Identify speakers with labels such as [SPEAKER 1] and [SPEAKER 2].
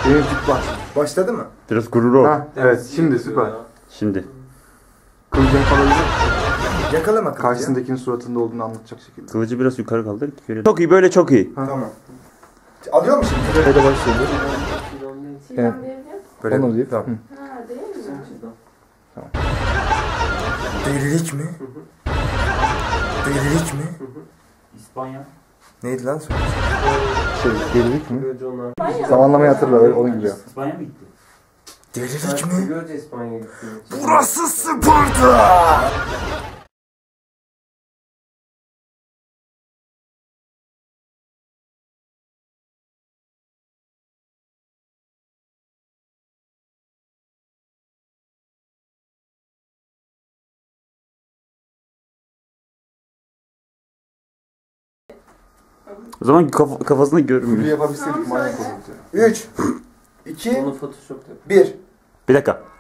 [SPEAKER 1] Benim tip var.
[SPEAKER 2] Başladı mı?
[SPEAKER 3] Biraz gurur ol.
[SPEAKER 1] Ha, evet şimdi süper.
[SPEAKER 3] Şimdi.
[SPEAKER 1] Kılıcını kalabilir.
[SPEAKER 2] Yakalama kılıcı.
[SPEAKER 1] Karşısındakinin suratında olduğunu anlatacak şekilde.
[SPEAKER 3] Kılıcı biraz yukarı kaldır. Çok iyi, böyle çok iyi.
[SPEAKER 2] Tamam. Alıyor musun?
[SPEAKER 1] Hadi başlayalım. Evet.
[SPEAKER 2] Böyle
[SPEAKER 1] Onu deyip.
[SPEAKER 2] tamam.
[SPEAKER 4] Ha, değil mi?
[SPEAKER 2] Delilik mi? Delilik mi?
[SPEAKER 5] İspanya.
[SPEAKER 2] Neydi lan soru?
[SPEAKER 1] Delilik mi? Zamanlamayı hatırla öyle onun gibi.
[SPEAKER 5] İspanya mı gitti?
[SPEAKER 2] Delilik mi?
[SPEAKER 6] Görece İspanya'ya gitti.
[SPEAKER 2] Burası Sparta!
[SPEAKER 3] O zaman kafasını görmüyor.
[SPEAKER 1] Bir yapabilseydik manyak olurdu.
[SPEAKER 2] 3 2
[SPEAKER 6] Onu Photoshop'ta.
[SPEAKER 2] 1
[SPEAKER 3] Bir dakika.